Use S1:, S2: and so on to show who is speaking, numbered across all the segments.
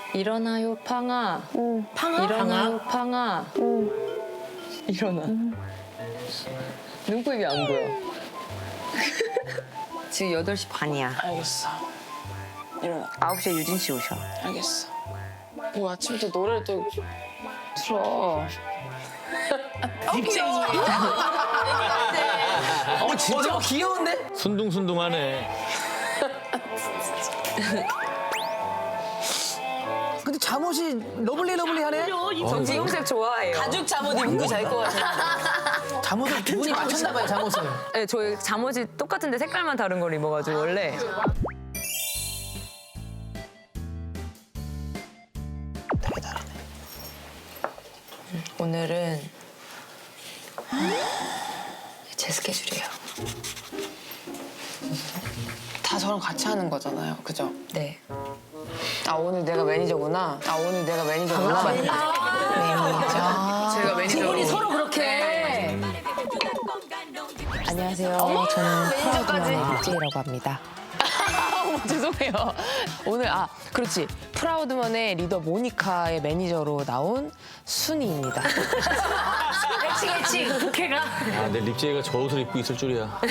S1: 일어나요 팡아. 팡아? 일어나요 팡아. 일어나. 눈곱이 안 보여. 지금 8시 반이야.
S2: 알겠어. 일어나.
S1: 9시에 유진 씨 오셔.
S2: 알겠어. 뭐 아침부터 노래를 또 틀어. 귀여워.
S3: 진짜 귀여운데?
S4: 순둥순둥하네.
S3: 근데 잠옷이 러블리하네?
S1: 정지용색 좋아해요.
S2: 가죽 잠옷 입은 거 잘 것 같아.
S3: 잠옷을 두 분이 맞췄나 봐요, 잠옷을.
S1: 네, 저희 잠옷이 똑같은데 색깔만 다른 걸 입어가지고 원래.
S3: 되게 다르네.
S1: 오늘은 제 스케줄이에요.
S2: 다 저랑 같이 하는 거잖아요. 그죠?
S1: 네.
S2: 아, 오늘 내가 매니저구나. 매니저. 제가 매니저.
S3: 우리 서로 그렇게.
S5: 안녕하세요. 저는 프라우드만의 립제이라고 합니다.
S2: 어머, 죄송해요. 오늘, 그렇지. 프라우드먼의 리더 모니카의 매니저로 나온 순이입니다.
S4: 아, 내 립제이가 저 옷을 입고 있을 줄이야.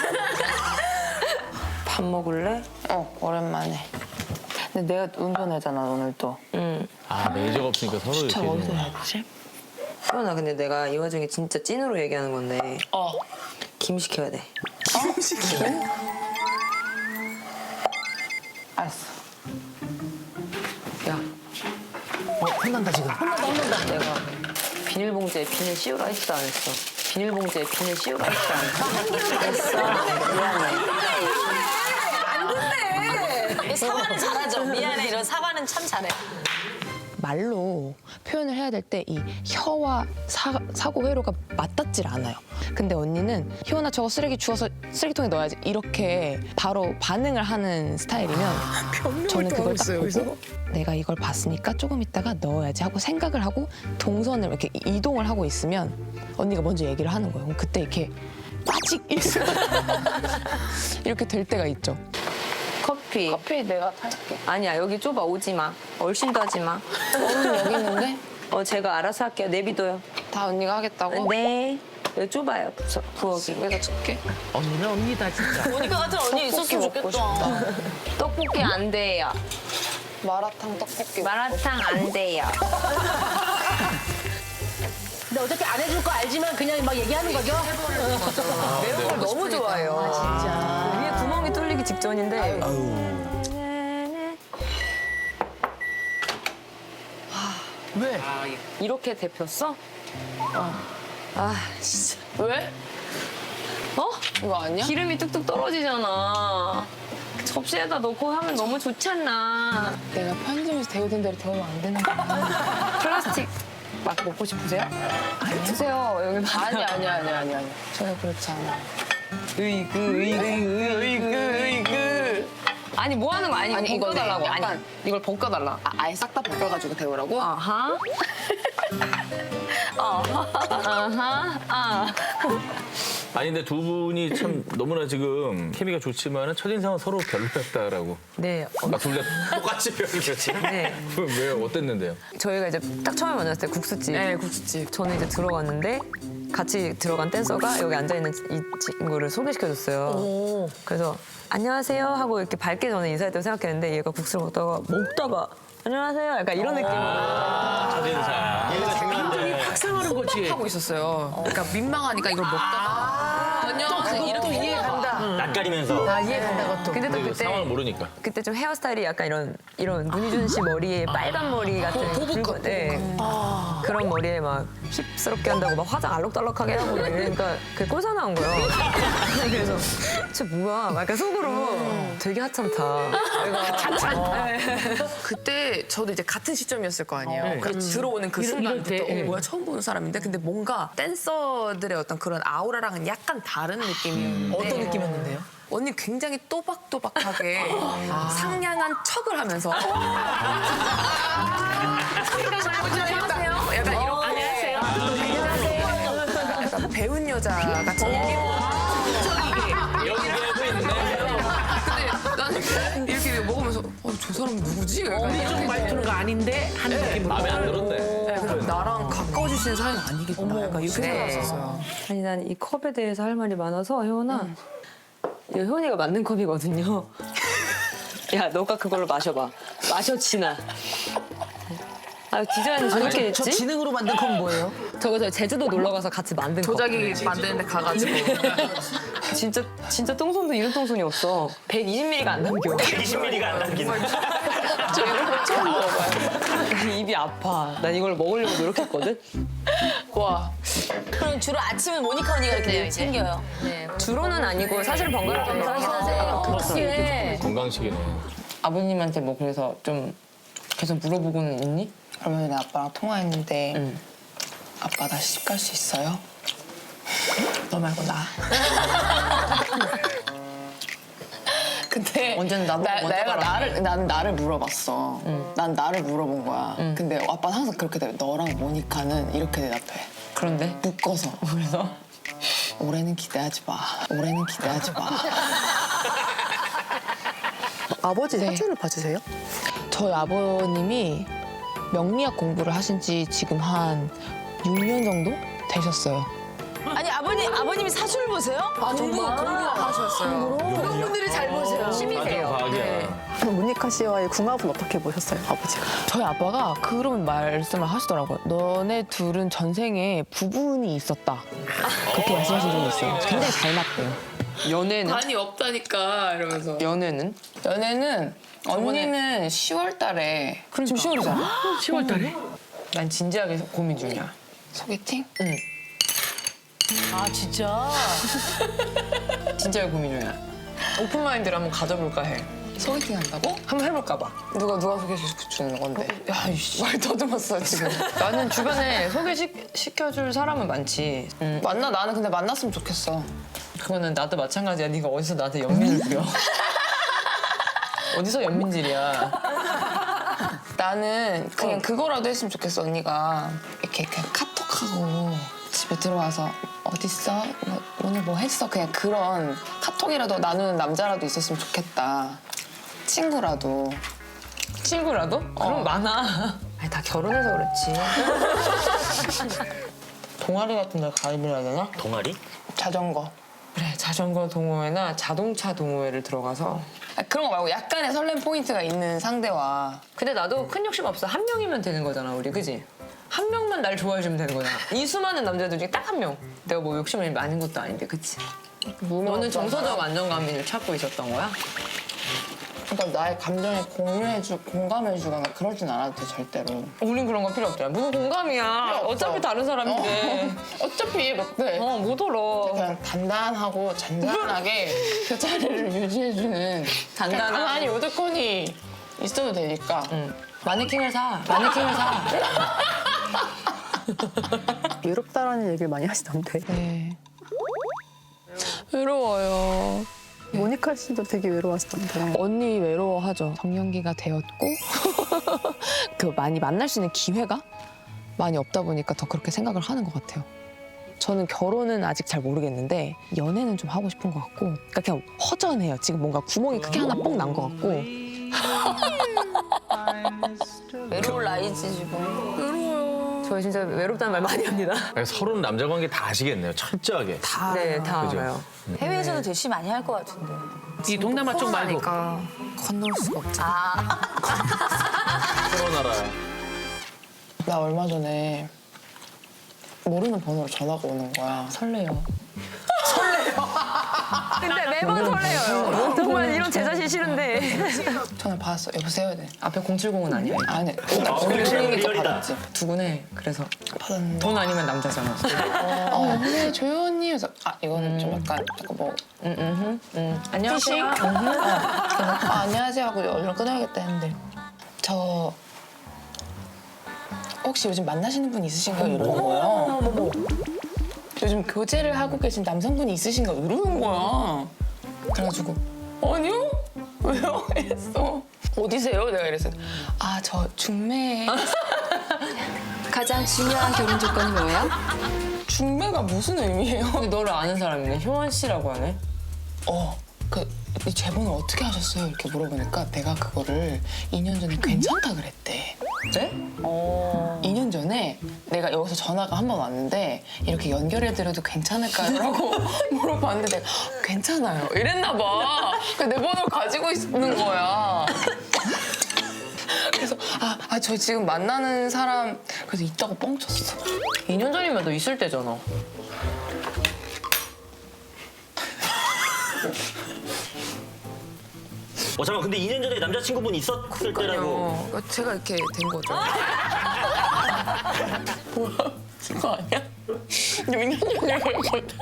S1: 밥 먹을래?
S2: 오랜만에. 근데 내가 운전하잖아, 오늘 또.
S4: 아, 매니저가 없으니까 서로 이렇게.
S2: 어디서 해야 되지?
S1: 수연아, 근데 내가 이 와중에 진짜 찐으로 얘기하는 건데 김 시켜야 돼.
S2: 알았어.
S1: 야,
S3: 혼난다, 지금.
S1: 내가 비닐봉지에 비닐 씌우라 했어 안 했어? 비닐봉지에 비닐 씌우라 했어 안 했어? 했어. 미안해.
S2: 사과는 잘하죠. 미안해. 이런 사과는 참 잘해.
S5: 말로 표현을 해야 될 때 이 혀와 사고 회로가 맞닿질 않아요. 근데 언니는 희원아 저거 쓰레기 주워서 쓰레기통에 넣어야지 이렇게 바로 반응을 하는 스타일이면 저는 그걸 딱 보고 내가 이걸 봤으니까 조금 있다가 넣어야지 하고 생각을 하고 동선을 이렇게 이동을 하고 있으면 언니가 먼저 얘기를 하는 거예요. 그럼 그때 이렇게 빠직 이렇게 될 때가 있죠.
S1: 커피
S2: 내가 탈게.
S1: 아니야, 여기 좁아. 오지 마. 얼씬도 하지 마.
S2: 오늘 여기 있는데?
S1: 제가 알아서 할게요. 내비둬요.
S2: 다 언니가 하겠다고?
S1: 네. 여기 좁아요. 부엌이.
S2: 내가 줄게.
S3: 언니는 언니다, 진짜.
S2: 모니카 같은 언니 있었으면 좋겠다.
S1: 떡볶이 안 돼요.
S2: 마라탕 떡볶이.
S1: 마라탕 안 돼요.
S3: 근데 어차피 안 해줄 거 알지만 그냥 막 얘기하는 거죠?
S1: 매운 걸 너무 좋아해요. 진짜. 위에 구멍이 뚫리기 직전인데.
S3: 왜?
S1: 이렇게 데폈어? 진짜.
S2: 왜? 이거 아니야?
S1: 기름이 뚝뚝 떨어지잖아. 접시에다 넣고 하면 너무 좋지 않나.
S2: 내가 편의점에서 데우던 대로 데우면 안 되는 거야.
S1: 플라스틱 막 먹고 싶으세요? 드세요. 여기 많아.
S2: 아니야. 전혀 그렇지 않아.
S1: 으이그. 아니 뭐 하는 거 아니 이거 벗겨달라고.
S2: 아니, 이걸 벗겨달라. 아예 싹 다 벗겨가지고 데우라고?
S1: 아하. 아하.
S4: 아니, 근데 두 분이 참 너무나 지금 케미가 좋지만은 첫인상은 서로 별로였다라고.
S1: 네.
S4: 아, 둘 다 똑같이 별로였지?
S1: 네.
S4: 왜요? 어땠는데요?
S1: 저희가 이제 딱 처음에 만났을 때 국수집.
S2: 네, 국수집.
S1: 저는 이제 들어갔는데 같이 들어간 댄서가 여기 앉아있는 이 친구를 소개시켜줬어요. 그래서 안녕하세요 하고 이렇게 밝게 저는 인사했다고 생각했는데 얘가 국수를 먹다가 안녕하세요 약간 이런 느낌으로.
S3: 확상하는 거지.
S2: 하고 있었어요. 그러니까 민망하니까 이걸 먹다가 안녕하세요. 이렇게 이해 간다.
S4: 낯가리면서.
S3: 이해 간다, 그것도.
S1: 근데 또
S4: 근데 상황을
S1: 그때
S4: 모르니까.
S1: 그때 좀 헤어스타일이 약간 이런 문희준 씨 머리에 빨간 머리 같은
S2: 보복감,
S1: 네. 그런 머리에 막 힙스럽게 한다고 막 화장 알록달록하게 하고 막 이러니까 그게 꼴사 나온 거예요. 그래서 쟤 뭐야? 막 약간 속으로 되게 하찮다.
S2: 그때 저도 이제 같은 시점이었을 거 아니에요. 그래서 들어오는 그 순간부터 뭐야 처음 보는 사람인데 근데 뭔가 댄서들의 어떤 그런 아우라랑은 약간 다른 느낌이었는데
S3: 어떤 느낌이었는데요?
S2: 언니 굉장히 또박또박하게 상냥한 척을 하면서 안녕하세요. 약간 이렇게 안녕하세요. 약간 배운 여자 같은 느낌. 근데 나는 이렇게 먹으면서 저 저 사람 누구지?
S3: 우리 쪽 말투가 아닌데 하는 느낌으로.
S4: 마음에 안 들었네.
S2: 그럼 나랑 가까워질 수 있는 사이는 아니겠구나. 약간 이렇게 생각했었어요.
S1: 아니 난 이 컵에 대해서 할 말이 많아서 혜원아 이거 혜원이가 만든 컵이거든요. 야 너가 그걸로 마셔봐. 마셔 진아. 아 디자인이 저렇게
S3: 저
S1: 했지?
S3: 지능으로 만든 건 뭐예요?
S1: 저거 제주도 놀러 가서 같이 만든 컵.
S2: 조작이 만드는데 가가지고.
S1: 진짜 똥손도 이런 똥손이 없어. 120ml가 안 남겨.
S6: 20mm가 안 남기는.
S1: 저 이거 처음 먹어봐요. 입이 아파. 난 이걸 먹으려고 노력했거든. 와.
S7: 그럼 주로 아침은 모니카 언니가 이렇게 챙겨요.
S1: 주로는 아니고 사실 번갈아 가면서
S7: 하세요.
S4: 건강식이네.
S5: 아버님한테 뭐 그래서 좀 계속 물어보고는 있니?
S8: 얼마 전에 아빠랑 통화했는데 아빠 나 시집 갈 수 있어요? 너 말고 나. 근데
S5: 언제는 나보고 먼저
S8: 내가
S5: 가라.
S8: 난 나를 물어봤어. 난 나를 물어본 거야. 근데 아빠는 항상 그렇게 돼. 너랑 모니카는 이렇게 대답해.
S5: 그런데
S8: 묶어서.
S5: 그래서
S8: 올해는 기대하지 마. 올해는 기대하지 마.
S9: 아버지 사주를 봐주세요?
S5: 저희 아버님이 명리학 공부를 하신 지 지금 한 6년 정도 되셨어요.
S7: 아니 아버님이 사주를 보세요?
S2: 공부하셨어요.
S7: 그런 분들이 잘 보세요.
S4: 완전 과학이야.
S9: 그럼 모니카 씨와의 궁합은 어떻게 보셨어요, 아버지가?
S5: 저희 아빠가 그런 말씀을 하시더라고요. 너네 둘은 전생에 부분이 있었다. 그렇게 말씀하신 적이 있어요. 굉장히 잘 맞대요. 연애는?
S2: 많이 없다니까 이러면서.
S5: 연애는?
S8: 연애는 언니는 10월 달에
S5: 지금 10월이잖아.
S3: 10월 달에?
S5: 난 진지하게 고민 중이야.
S8: 소개팅?
S5: 응.
S7: 아 진짜?
S5: 진지하게 고민 중이야. 오픈마인드를 한번 가져볼까 해.
S8: 소개팅 한다고?
S5: 한번 해볼까 봐.
S8: 누가 소개시켜주는 건데?
S5: 야, 이씨.
S8: 말 더듬었어 지금.
S5: 나는 주변에 소개시켜줄 사람은 많지.
S8: 나는 근데 만났으면 좋겠어.
S5: 그거는 나도 마찬가지야. 네가 어디서 나한테 연민을 부려. 어디서 연민질이야.
S8: 나는 그냥 그거라도 했으면 좋겠어. 언니가 이렇게 그냥 카톡하고 집에 들어와서 어딨어? 뭐, 오늘 뭐 했어? 그냥 그런 카톡이라도 나누는 남자라도 있었으면 좋겠다. 친구라도.
S5: 친구라도? 그럼 많아.
S1: 아니 다 결혼해서 그렇지.
S5: 동아리 같은 데 가입을 해야 되나?
S6: 동아리?
S8: 자전거.
S5: 그래, 자전거 동호회나 자동차 동호회를 들어가서.
S8: 그런 거 말고 약간의 설렘 포인트가 있는 상대와
S1: 근데 나도 큰 욕심 없어. 한 명이면 되는 거잖아, 우리, 그지? 한 명만 날 좋아해주면 되는 거잖아. 이 수많은 남자들 중에 딱 한 명. 내가 뭐 욕심이 많은 것도 아닌데, 그치? 너는 정서적 안정감을 찾고 있었던 거야?
S8: 그러니까 나의 감정에 공감해주거나 그러진 않아도 돼 절대로.
S5: 우린 그런 거 필요 없잖아. 무슨 공감이야. 어차피 다른 사람인데.
S8: 어차피 이해 못해.
S5: 못 알아.
S8: 그냥 단단하고 잔잔하게 그 자리를 유지해주는
S5: 단단한.
S8: 가만히 요드콘이 있어도 되니까.
S5: 마네킹을 사.
S9: 외롭다라는 얘기를 많이 하시던데.
S5: 네. 외로워요.
S9: 모니카 씨도 되게 외로워하시던데.
S5: 언니 외로워하죠. 정년기가 되었고 그 많이 만날 수 있는 기회가 많이 없다 보니까 더 그렇게 생각을 하는 것 같아요. 저는 결혼은 아직 잘 모르겠는데 연애는 좀 하고 싶은 것 같고 그러니까 그냥 허전해요. 지금 뭔가 구멍이 크게 하나 뽕 난 것 같고
S7: 외로울 나이지 지금.
S1: 저 진짜 외롭다는 말 많이 합니다.
S4: 서로는 남자 관계 다 아시겠네요. 철저하게.
S1: 네, 다
S4: 그죠?
S1: 알아요.
S7: 해외에서도 대시 많이 할 것 같은데.
S3: 이 동남아 쪽 말고.
S2: 건널 수가 없지.
S4: 코로나라.
S8: 나 얼마 전에 모르는 번호로 전화가 오는 거야.
S5: 설레요.
S1: 근데 매번 설레요. 정말 이런 제 자신 싫은데.
S8: 전화 받았어. 여보세요? 네.
S5: 앞에 070은 아니야.
S8: 아니, 오늘이니까
S6: 리얼이다.
S8: 받았지.
S5: 두근해. 그래서
S8: 받았는데.
S5: 돈 아니면 남자잖아.
S8: 여보세요, 조효 언니. 그래서 이거는 좀 약간 뭐
S5: 안녕하세요.
S8: 안녕하세요 하고 얼른 끊어야겠다 했는데 저 혹시 요즘 만나시는 분 있으신가요? 이러는 거예요. 요즘 교제를 하고 계신 남성분이 있으신가? 이러는 거야. 그래가지고 아니요? 왜요? 이랬어. 어디세요? 내가 이랬어. 저 중매에.
S7: 가장 중요한 결혼 조건이 뭐예요?
S8: 중매가 무슨 의미예요?
S5: 근데 너를 아는 사람이네. 효원 씨라고 하네.
S8: 이 재본을 어떻게 하셨어요? 이렇게 물어보니까 내가 그거를 2년 전에 괜찮다 그랬대.
S3: 네?
S8: 2년 전에 내가 여기서 전화가 한 번 왔는데 이렇게 연결해드려도 괜찮을까요? 라고 물어봤는데 내가 괜찮아요. 이랬나 봐. 내 번호를 가지고 있는 거야. 그래서 저 지금 만나는 사람 그래서 있다고 뻥쳤어.
S3: 2년 전이면 너 있을 때잖아.
S6: 잠깐 근데 2년 전에 남자친구분 있었을 때라고.
S2: 제가 이렇게 된 거죠.
S8: 뭐야? 그거 아니야? 6년 전에 그랬거든.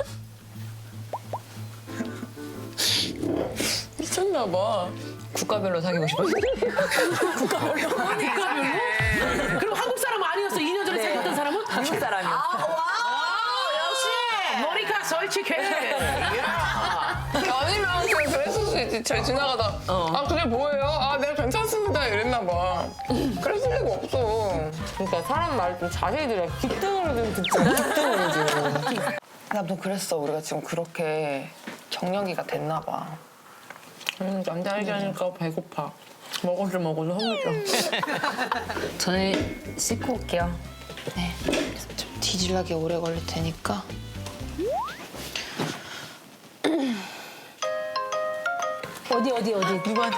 S8: 미쳤나 봐.
S1: 국가별로 사귀고 싶어요.
S3: 그럼 한국 사람 아니었어? 2년 전에 생겼던 사람은?
S1: 미국 사람이요.
S3: 머리카 솔직해.
S8: 아니면 그냥 그랬을 수 있지. 저 지나가다 그게 뭐예요? 내가 괜찮습니다. 이랬나 봐. 그랬을 리가 없어. 그러니까 사람 말 좀 자세히 들어. 귓등으로 좀 듣자. 귓등으로 좀. 나도 그랬어. 우리가 지금 그렇게 격년기가 됐나 봐. 남자 얘기하니까 배고파. 먹어줘 허물죠.
S1: 저는 씻고 올게요.
S5: 네. 좀 뒤질나게 오래 걸릴 테니까.
S3: 어디?
S8: 누구한테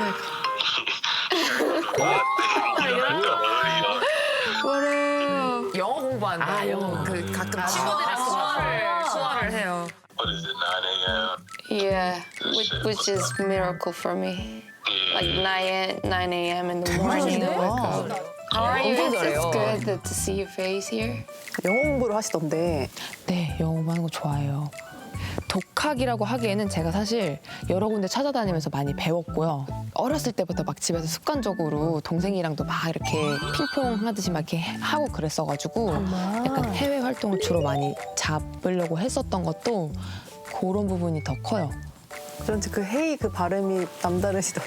S2: 영어 공부한다.
S3: 영어.
S2: 그 가끔 친구들이랑 수화를 해요.
S10: What is it, 9 a.m.?
S5: Yeah, which is miracle for me. Like 9 a.m. in the morning. I wake up. How are you? It's good to see your face here.
S9: 영어 공부를 하시던데
S5: 네, 영어 공부하는 거 좋아해요. 독학이라고 하기에는 제가 사실 여러 군데 찾아다니면서 많이 배웠고요. 어렸을 때부터 막 집에서 습관적으로 동생이랑도 막 이렇게 핑퐁 하듯이 막 이렇게 하고 그랬어가지고 약간 해외 활동을 주로 많이 잡으려고 했었던 것도 그런 부분이 더 커요.
S9: 그런지 그 헤이 그 발음이 남다르시던데.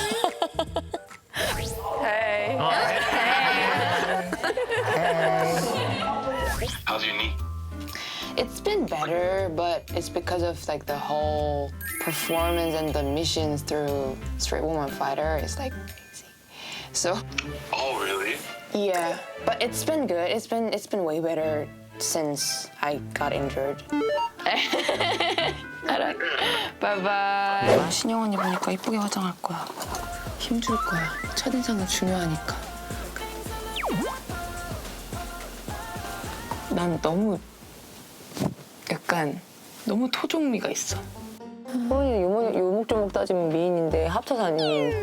S10: How's your knee?
S5: It's been better, but it's because of like the whole performance and the missions through Straight Woman Fighter. It's like crazy. So
S10: Oh, really?
S5: yeah, but it's been good. It's been way better since I got injured. Bye bye. 신영 언니 보니까 이쁘게 화장할 거야. 힘줄 거야. 첫인상은 중요하니까. 난 너무 약간 너무 토종미가 있어.
S1: 소원이 요목조목 따지면 미인인데 합쳐서 아닌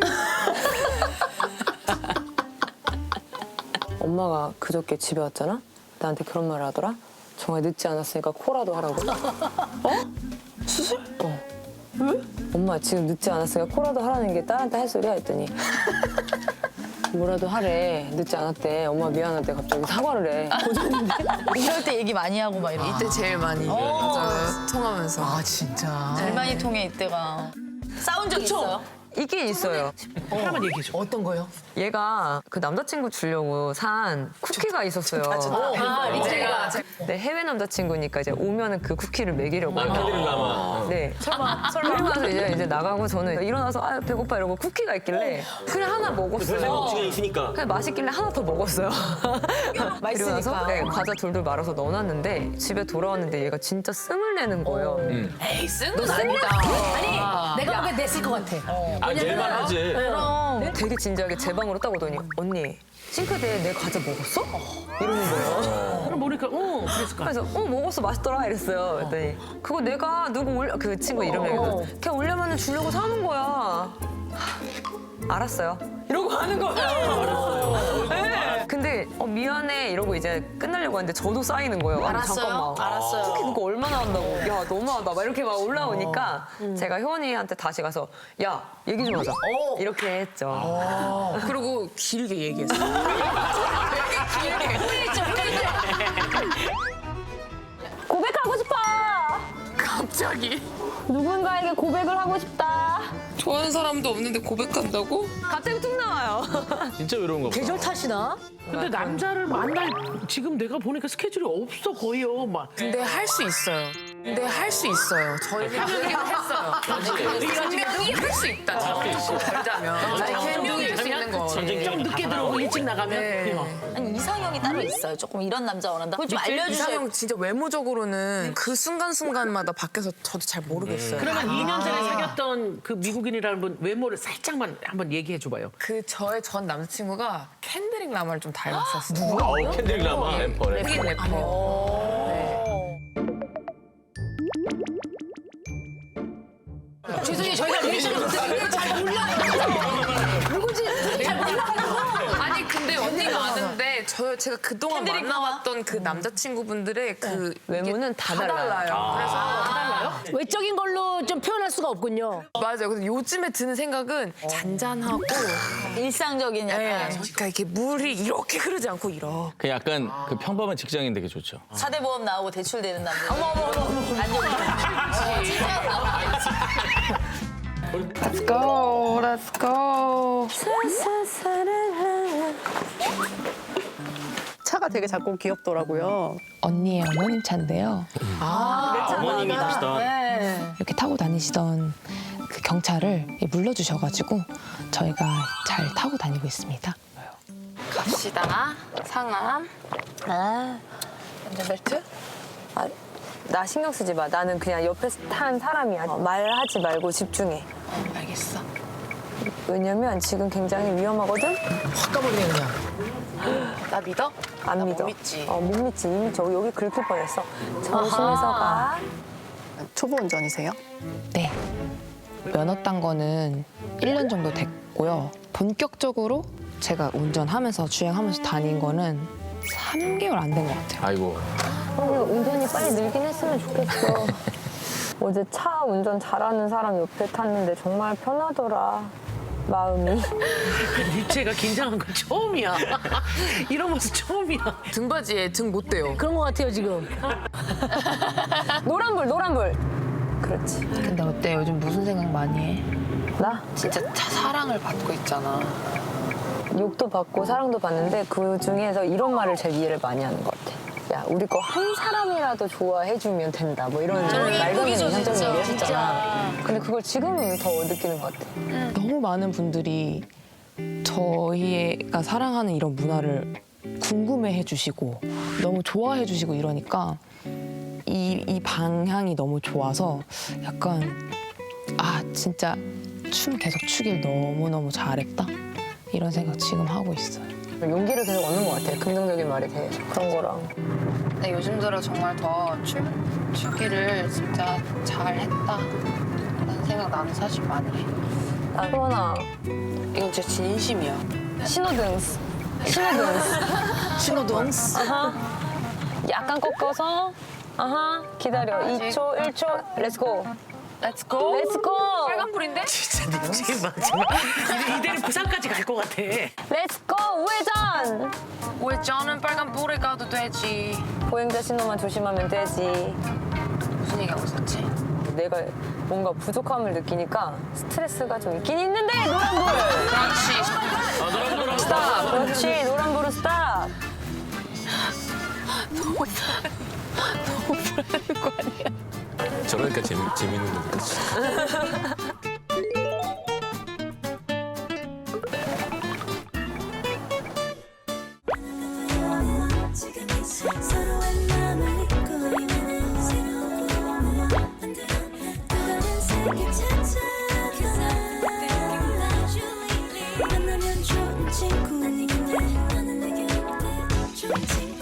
S1: 엄마가 그저께 집에 왔잖아? 나한테 그런 말을 하더라? 정말 늦지 않았으니까 코라도 하라고. 수술? 왜? 엄마 지금 늦지 않았으니까 코라도 하라는 게 딸한테 할 소리야 했더니 뭐라도 하래. 늦지 않았대. 엄마 미안한데 갑자기 사과를 해.
S7: 이럴 때 얘기 많이 하고 막 이런.
S2: 이때 제일 많이 맞아요. 통하면서.
S3: 진짜.
S7: 제일 많이 통해 이때가. 싸운 적 있어요?
S1: 있긴 있어요.
S3: 하나만 얘기해줘. 어떤 거요?
S1: 얘가 그 남자친구 주려고 산 쿠키가 있었어요.
S2: 제가
S1: 네, 해외 남자친구니까 이제 오면은 그 쿠키를 먹이려고.
S4: 남아.
S1: 네. 설마. 그리고 나서 이제 나가고 저는 일어나서 배고파 이러고 쿠키가 있길래 그냥 하나 먹었어요.
S6: 억지가 있으니까.
S1: 그냥 맛있길래 하나 더 먹었어요. 그리고 나서 네, 과자 돌돌 말아서 넣어놨는데 집에 돌아왔는데 얘가 진짜 씀을 내는 거예요.
S2: 에이 쓴건 아니다.
S3: 아니, 내가 보기엔 냈을 것 같아.
S4: 낼만 하지.
S1: 되게 진지하게 제 방으로 딱 오더니 언니 싱크대에 내 과자 먹었어? 이러는 거예요.
S3: 그럼 모니카, 그랬을 거야.
S1: 그래서 먹었어 맛있더라 이랬어요. 그랬더니 그거 내가 누구 올려 그 친구 이름 얘기해서 걔 올려면 주려고 사는 거야. 알았어요. 이러고 하는 거예요. 네. 근데 미안해 이러고 이제 끝나려고 하는데 저도 쌓이는 거예요. 아니, 잠깐만.
S7: 알았어요.
S1: 쿠키 그거 얼마나 한다고. 야 너무하다. 막 이렇게 막 올라오니까 제가 효원이한테 다시 가서 야 얘기 좀 하자. 이렇게 했죠.
S2: 그리고 길게 얘기했어.
S7: 고백하고 싶어.
S2: 갑자기.
S7: 누군가에게 고백을 하고 싶다.
S8: 좋아하는 사람도 없는데 고백한다고?
S1: 갑자기 툭 나와요.
S4: 진짜 외로운 거 봐.
S3: 계절 탓이나? 근데 남자를 만날 지금 내가 보니까 스케줄이 없어 거의요. 막.
S2: 근데 할 수 있어요. 근데 할 수 있어요. 저희는 그 얘기를 했어요. 분명히 할 수 있다. 잘자면. 분명히 할 수 있는 거.
S3: 좀 늦게 들어오고 일찍 나가면.
S7: 아니 이상형이 따로 있어요. 조금 이런 남자 원한다. 그걸 좀 알려주세요.
S2: 이상형 진짜 외모적으로는 그 순간순간마다 바뀌어서 저도 잘 모르겠어요.
S3: 그러면 2년 전에 사귀었던 그 미국인이라는 분 외모를 살짝만 한번 얘기해 줘봐요.
S2: 그 저의 전 남자친구가 캔드릭 라마를 좀 닮았었어요.
S4: 캔드릭 라마 래퍼네.
S2: 흑인 래퍼.
S3: 죄송해요. 저희가 리액션을 잘 몰라요. 누구지? 잘 몰라요.
S2: 아니 근데 언니가 아는데 제가 그동안 만나왔던 그 남자친구분들의 그
S1: 외모는 다 달라요.
S2: 그래서
S3: 외적인 걸로 좀 표현할 수가 없군요.
S2: 맞아요. 근데 요즘에 드는 생각은 잔잔하고
S7: 일상적인 약간
S2: 그러니까 이렇게 물이 이렇게 흐르지 않고 이렇게.
S4: 그 약간 그 평범한 직장인 되게 좋죠.
S7: 4대 보험 나오고 대출되는 남자. 어머. 진짜
S5: Let's go, let's go.
S9: 차가 되게 작고 귀엽더라고요.
S5: 언니의 어머님 차인데요.
S6: 어머님이 타시던.
S5: 이렇게 타고 다니시던 그 경차를 물려주셔가지고 저희가 잘 타고 다니고 있습니다.
S8: 갑시다. 상암. 안전벨트.
S1: 나 신경 쓰지 마. 나는 그냥 옆에 탄 사람이야. 말하지 말고 집중해.
S8: 알겠어.
S1: 왜냐면 지금 굉장히 위험하거든?
S2: 확 가버리네 그냥.
S8: 나 믿어?
S1: 안
S8: 나
S1: 믿어.
S8: 못 믿지.
S1: 못 믿지. 이미 여기 긁힐 뻔했어. 조심해서 가.
S9: 초보 운전이세요?
S5: 네. 면허 딴 거는 1년 정도 됐고요. 본격적으로 제가 운전하면서 주행하면서 다닌 거는 3개월 안 된 것 같아요.
S4: 아이고.
S1: 운전이 빨리 늘긴 했으면 좋겠어. 어제 차 운전 잘하는 사람 옆에 탔는데 정말 편하더라. 마음이.
S3: 유채가 긴장한 건 처음이야. 이런 모습 처음이야.
S2: 등받이에 등 못 대요.
S3: 그런 것 같아요 지금.
S1: 노란불. 그렇지.
S5: 근데 어때? 요즘 무슨 생각 많이 해?
S1: 나
S5: 진짜 사랑을 받고 있잖아.
S1: 욕도 받고 사랑도 받는데 그 중에서 이런 말을 제일 이해를 많이 하는 것 같아. 야, 우리 거 한 사람이라도 좋아해주면 된다. 뭐 이런 말도 안 되는 이상적인 얘기 했잖아. 근데 그걸 지금 더 느끼는 것 같아.
S5: 너무 많은 분들이 저희가 사랑하는 이런 문화를 궁금해해 주시고 너무 좋아해 주시고 이러니까 이 방향이 너무 좋아서 약간 진짜 춤 계속 추길 너무너무 잘했다 이런 생각 지금 하고 있어요.
S1: 용기를 계속 얻는 것 같아. 긍정적인 말이 돼. 그런 거랑.
S8: 근데 요즘 들어 정말 더 춤추기를 진짜 잘했다. 라는 생각 나는 사실 많이 해.
S1: 소원아,
S8: 이건 진짜 진심이야.
S1: 신호등스. 아하. 약간 꺾어서. 아하. 기다려. 2초, 1초. 렛츠고.
S8: 렛츠고.
S2: 빨간불인데?
S3: 진짜 지금 마지막. 이대로 부산까지 갈 것 같아.
S1: 렛츠고. 우회전.
S8: 우회전은 빨간불에 가도 되지.
S1: 보행자 신호만 조심하면 되지.
S8: 무슨 얘기하고 있었지?
S1: 내가 뭔가 부족함을 느끼니까 스트레스가 좀 있긴 있는데 노란불.
S8: 그렇지.
S1: 스탑. 그렇지. 노란불은 스탑.
S4: 저러니까 재밌는 거니까.
S11: 서로의 마음을 잊고 있는 새로운 꿈을 만들어 또 다른 세계 찾아가 만나면 좋은 친구인데 너는 내게 어때 좋지